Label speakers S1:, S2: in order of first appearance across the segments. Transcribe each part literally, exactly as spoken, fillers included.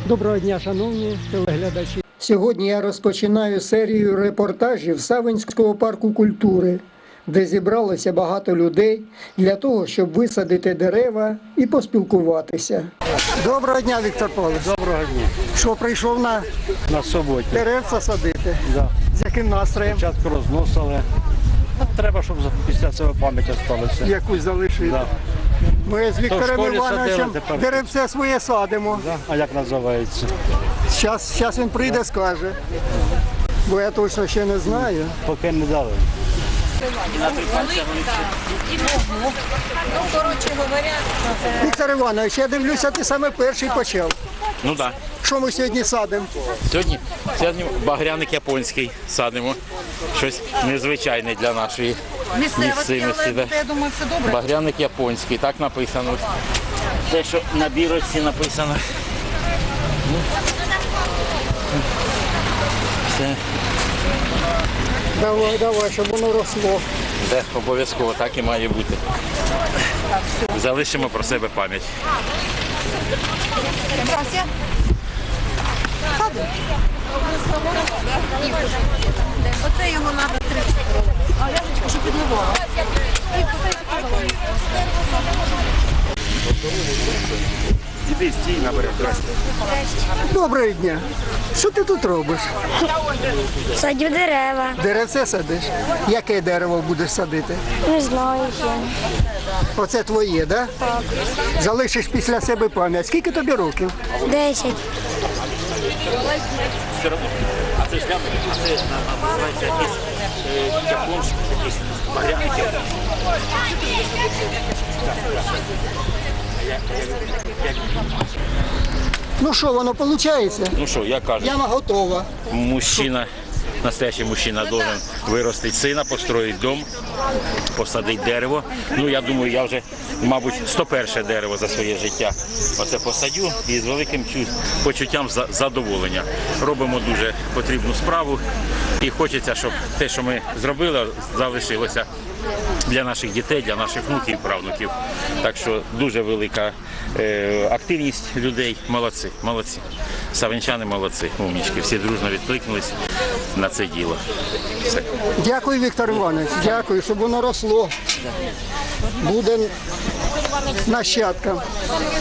S1: Доброго дня, шановні телеглядачі.
S2: Сьогодні я розпочинаю серію репортажів Савинського парку культури, де зібралося багато людей для того, щоб висадити дерева і поспілкуватися. Доброго дня, Віктор Павлович.
S1: Доброго дня.
S2: Що, прийшов на
S1: На суботі.
S2: деревця садити?
S1: Да.
S2: З яким настроєм?
S1: Спочатку розносили. Ну, треба, щоб після цього пам'ять залишилася.
S2: Якусь залишити.
S1: Да.
S2: Ми з Віктором
S1: школі
S2: Івановичем
S1: садили, тепер-
S2: деревце своє садимо.
S1: Да? А як називається?
S2: Зараз, зараз він прийде, скаже. Бо я точно ще не знаю.
S1: Поки не дали.
S3: Ну, коротше говоря,
S2: Віктор Іванович, я дивлюся, ти саме перший почав.
S4: Ну так.
S2: Що ми сьогодні садимо?
S4: Сьогодні, сьогодні багряник японський садимо. Щось незвичайне для нашої
S3: місцевості,
S4: місцевості.
S3: але
S4: Да.
S3: я думаю, все добре.
S4: Багряник японський, так написано. Те, що на бірочці написано. Ну. Все.
S2: Давай, давай, щоб воно росло.
S4: Де обов'язково так і має бути. Залишимо про себе пам'ять.
S3: Вася. Оце його треба три. А ляжечка, щоб підливала.
S4: Іди стій, наберемо.
S2: Доброго дня. Що ти тут робиш?
S5: Садю дерева.
S2: Деревце садиш? Яке дерево будеш садити?
S5: Не знаю ще.
S2: Оце твоє, да?
S5: Так.
S2: Залишиш після себе пам'ять. Скільки тобі років?
S5: Десять.
S4: А це ж це називається якийсь японський, якийсь багряник.
S2: Ну що, воно виходить?
S4: Ну що, я кажу.
S2: Яма готова.
S4: Мужчина, настоящий мужчина должен виростити сина, построїти дом, посадити дерево. Ну, я думаю, я вже, мабуть, сто перше дерево за своє життя оце посадю і з великим чу- почуттям за- задоволення. Робимо дуже потрібну справу і хочеться, щоб те, що ми зробили, залишилося для наших дітей, для наших внуків і правнуків. Так що дуже велика е, активність людей. Молодці, молодці. Савинчани молодці, умнічки. Всі дружно відкликнулись на це діло. Все.
S2: Дякую, Віктор Іванович. Дякую, щоб воно росло. Буде нащадкам.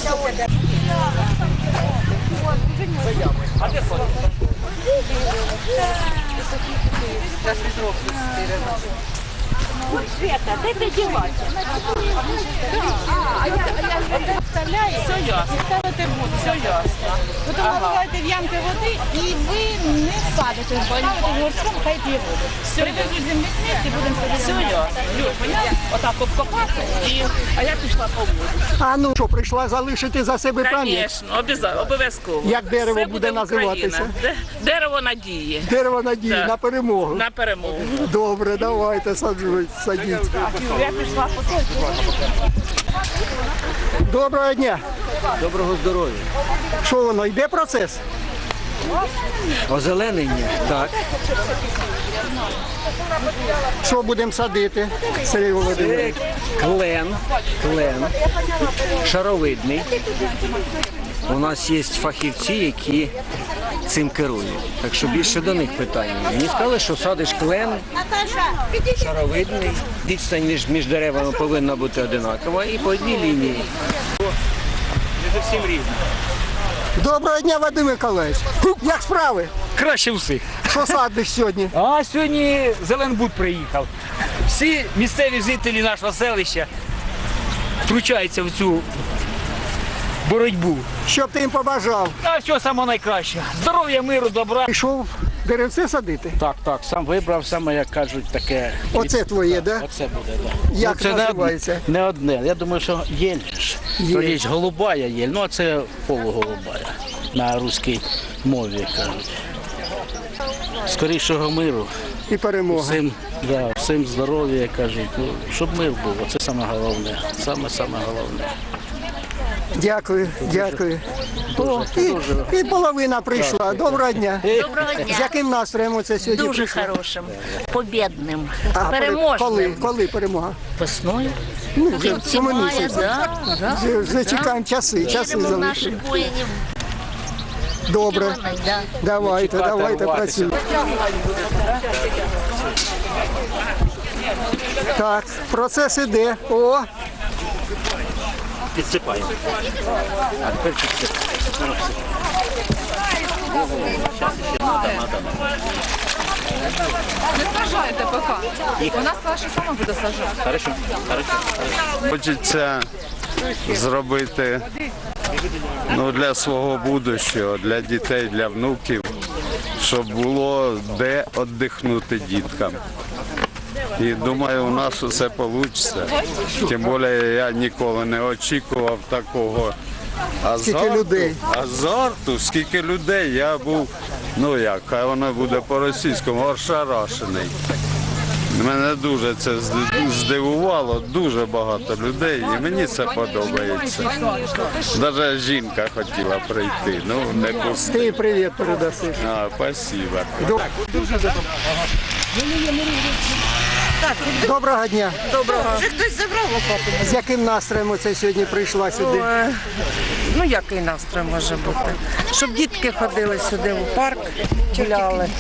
S6: Все ясно, ставите воду, все ясно. Потім наливаєте в ямки води і ви не садите, ставите горшком, хай п'є воду. Привезуть землі і будемо садити. Все ясно. Люд, поняв? Отак обкопати, і... а я пішла по воду.
S2: А ну що, прийшла залишити за себе пам'ять?
S6: Звісно, обов'язково, обов'язково.
S2: Як дерево
S6: Все
S2: буде називатися?
S6: Україна. Де- Дерево надії.
S2: Дерево надії
S6: Так.
S2: на перемогу.
S6: На перемогу.
S2: Добре, давайте саджують, садіть.
S6: Я пішла по той.
S2: Доброго дня.
S7: Доброго здоров'я.
S2: Що воно, йде процес?
S7: Озеленення, так.
S2: Що будемо садити, Сергій Володимирович?
S7: Це клен, клен, шаровидний. У нас є фахівці, які цим керують. Так що більше до них питання. Мені сказали, що садиш клен, шаровидний, відстань між, між деревами повинна бути одинакова і по одній лінії.
S4: Не зовсім рівно.
S2: Доброго дня, Вадим Миколаївич. Як справи?
S8: Краще всіх.
S2: Що садиш сьогодні?
S8: А сьогодні Зеленбуд приїхав. Всі місцеві жителі нашого селища втручаються в цю боротьбу.
S2: Що б ти їм побажав?
S8: А все саме найкраще. Здоров'я, миру, добра.
S2: Пішов деревце садити?
S8: Так, так, сам вибрав, саме, як кажуть, таке.
S2: Оце твоє, да?
S8: Оце буде, так.
S2: Як
S8: це не
S2: називається?
S8: одне, не одне. Я думаю, що єль ж. То є голубая єль, ну а це полуголубая. На руській мові кажуть. Скорішого миру.
S2: І перемога.
S8: Всім, да, всім здоров'я, кажуть. Ну, щоб мир був, це саме головне. Саме саме головне.
S2: Дякую, дякую. О, і, і половина прийшла. Доброго дня.
S3: Доброго дня.
S2: З яким настроєм оце сьогодні
S3: Дуже
S2: прийшла?
S3: хорошим, побєдним,
S2: А, коли,
S3: переможним.
S2: коли перемога?
S3: Весною.
S2: Ну, вже
S3: В
S2: в цьому
S3: мая,
S2: місяці.
S3: да, да.
S2: Вже, вже чекаємо часи, часи
S3: Віримо в
S2: залишили.
S3: наших воїнів.
S2: Добре. Давайте,
S4: Чекати,
S2: давайте
S4: рватися.
S2: працюємо. Так, процес іде. О,
S4: Підсипаємо. А тепер підсипаємо.
S3: Не сажайте поки. У нас краще саме буде сажати.
S4: Хорошо, хорошо.
S9: Хочеться зробити ну, для свого будущого, для дітей, для внуків, щоб було де віддихнути діткам. І думаю, у нас усе вийде. Тим більше я ніколи не очікував такого азарту.
S2: Скільки людей?
S9: Азарту, скільки людей. Я був, ну як, хай воно буде по-російському, ошарашений. Мене дуже це здивувало, дуже багато людей, і мені це подобається. Навіть жінка хотіла прийти, ну не пустила.
S2: ти привіт передаси.
S9: А, спасибо.
S2: Доброго дня.
S3: Доброго. Вже хтось забрав лопату?
S2: З яким настроєм оце сьогодні прийшла сюди?
S10: Е, Ну, який настрій може бути? Щоб дітки ходили сюди в парк, гуляли.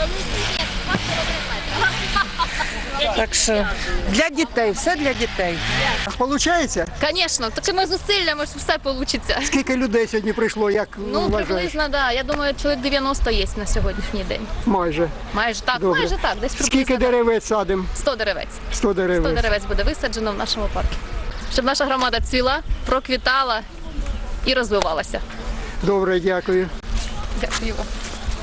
S10: Так що для дітей, все для дітей.
S2: Получається?
S11: Звісно, такими зусиллями ж все вийде.
S2: Скільки людей сьогодні прийшло, як
S11: Ну,
S2: вважаєш?
S11: приблизно, так. Да. Я думаю, чоловік дев'яносто є на сьогоднішній день.
S2: Майже.
S11: Майже так,
S2: Добре.
S11: майже так. Десь
S2: Скільки
S11: приблизно
S2: деревець садимо?
S11: сто деревець.
S2: сто
S11: сто
S2: деревець.
S11: деревець буде висаджено в нашому парку. Щоб наша громада цвіла, проквітала і розвивалася.
S2: Добре, дякую.
S11: Дякую вам.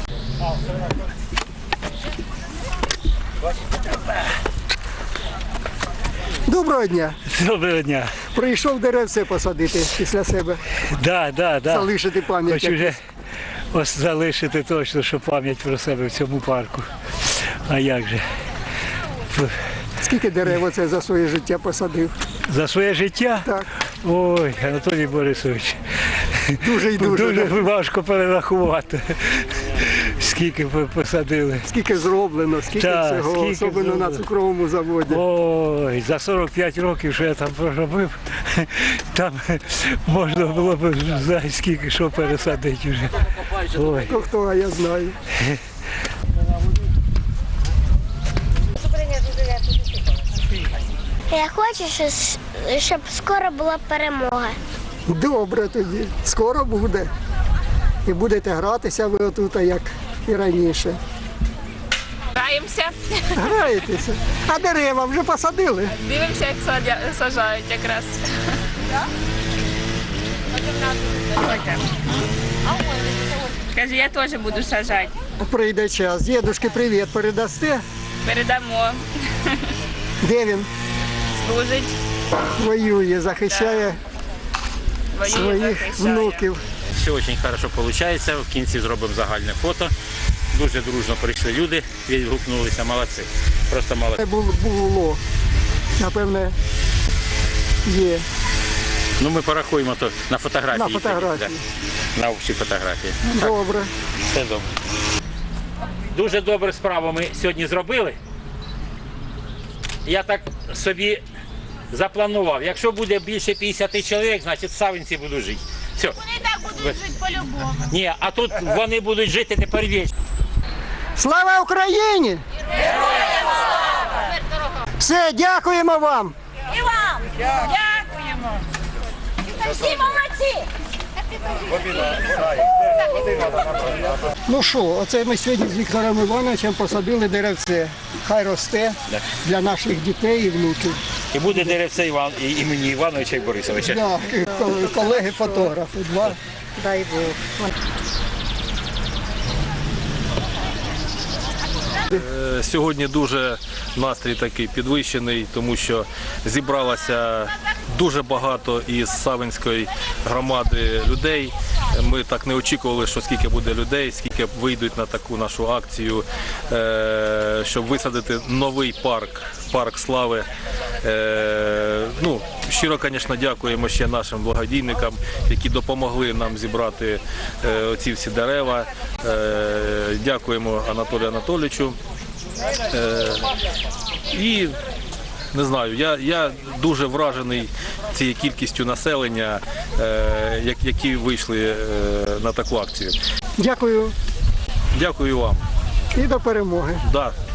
S2: Доброго дня.
S1: Доброго дня.
S2: Прийшов деревце посадити після себе,
S1: Да, да, да.
S2: залишити пам'ять.
S1: Хочу вже ось залишити точно, що пам'ять про себе в цьому парку. А як же?
S2: Скільки дерев оце за своє життя посадив?
S1: За своє життя?
S2: Так.
S1: Ой, Анатолій Борисович,
S2: Дуже і дуже.
S1: дуже
S2: да?
S1: важко перерахувати, скільки ви посадили.
S2: Скільки зроблено, скільки
S1: Так,
S2: всього,
S1: скільки
S2: особливо на
S1: зроблено.
S2: цукровому заводі.
S1: Ой, за сорок п'ять років, що я там проробив, там можна було б знати, скільки що пересадити вже. Ой.
S2: Хто хто, а я знаю.
S5: Я хочу, щось- щоб скоро була перемога.
S2: Добре тоді. Скоро буде. І будете гратися ви отут, як і раніше.
S6: Граємося,
S2: Граєтеся. А дерева вже посадили?
S6: дивимося, як садя- сажають якраз. Каже, я теж буду сажати.
S2: Прийде час. Дідушки, привіт, передасте.
S6: Передамо.
S2: Де він?
S6: Служить,
S2: Воює, захищає
S6: воює,
S2: своїх
S6: захищає.
S2: внуків.
S4: Все дуже хорошо виходить. В кінці зробимо загальне фото. Дуже дружно прийшли люди, відгукнулися, молодці. Просто молодці.
S2: Це бу- було. Напевне, є.
S4: Ну ми порахуємо то на фотографії.
S2: На фотографії.
S4: тоді, да. На общій фотографії.
S2: Добре.
S4: Все добре. Дуже добру справу ми сьогодні зробили. Я так собі запланував. Якщо буде більше п'ятдесят чоловік, значить в Савинці буду жити. Все.
S6: Вони і так будуть жити по-любому.
S4: Ні, а тут вони будуть жити тепер вічно.
S2: Слава Україні! Все, дякуємо вам.
S6: І вам! Дякуємо! Всі молодці!
S2: Ну що, оце ми сьогодні з Віктором Івановичем посадили деревце. Хай росте для наших дітей і внуків.
S4: І буде деревце Іван, і імені Івановича і Борисовича.
S2: Да, колеги-фотографи. Два.
S10: Дай Бог.
S12: Сьогодні дуже настрій такий підвищений, тому що зібралося дуже багато із Савинської громади людей. Ми так не очікували, що скільки буде людей, скільки вийдуть на таку нашу акцію, е, щоб висадити новий парк, парк слави. Е, ну, щиро, звісно, дякуємо ще нашим благодійникам, які допомогли нам зібрати е, оці всі дерева. Е, дякуємо Анатолію Анатолійовичу. Е, і не знаю, я, я дуже вражений цією кількістю населення, е, як- які вийшли е, на таку акцію.
S2: Дякую
S12: Дякую вам.
S2: і до перемоги.
S12: Да,